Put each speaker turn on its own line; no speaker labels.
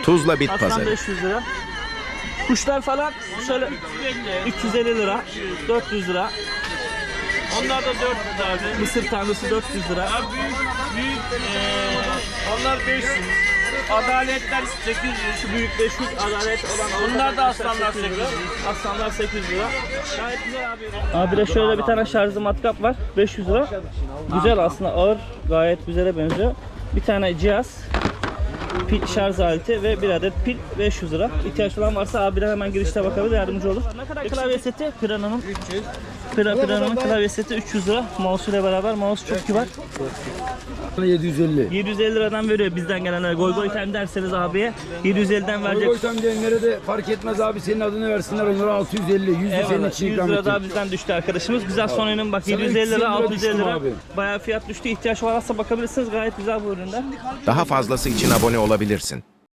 Tuzla Bit
Aslan
Pazarı.
500 lira. Kuşlar falan şöyle 350 lira, 400 lira.
Onlar da 400 abi.
Mısır tanesi 400 lira.
Büyük onlar 500. Adaletler 800.
Şu büyük 500, adalet olan
Bunlar da aslanlar 800.
Aslanlar 800 lira. Gayet güzel abi. Abi de şöyle bir tane şarjlı matkap var. 500 lira. Güzel aslında, ağır, gayet güzele benziyor. Bir tane cihaz, pil şarj aleti ve bir adet pil 500 lira. İhtiyaç olan varsa abiler hemen girişte bakabilir, yardımcı olur. Ne kadar klavye seti? Piranha'nın. Piranha'nın klavye seti 300 lira. Mouse ile beraber. Mouse çok kibar.
750.
750 liradan veriyor bizden gelenler. Goy goy time derseniz abiye 750'den verecek.
Koysam diyenlere de fark etmez abi, senin adını versinler, onlara 650. 100 senin
Eyvallah.
için
100
ikram
lira
ettim.
daha bizden düştü arkadaşımız. Güzel son ürün bak,
Sana
750
350
lira,
lira
650
düştüm
lira.
abi.
Bayağı fiyat düştü. İhtiyaç varsa bakabilirsiniz. Gayet güzel bu ürünler.
Daha fazlası için abone olabilirsin.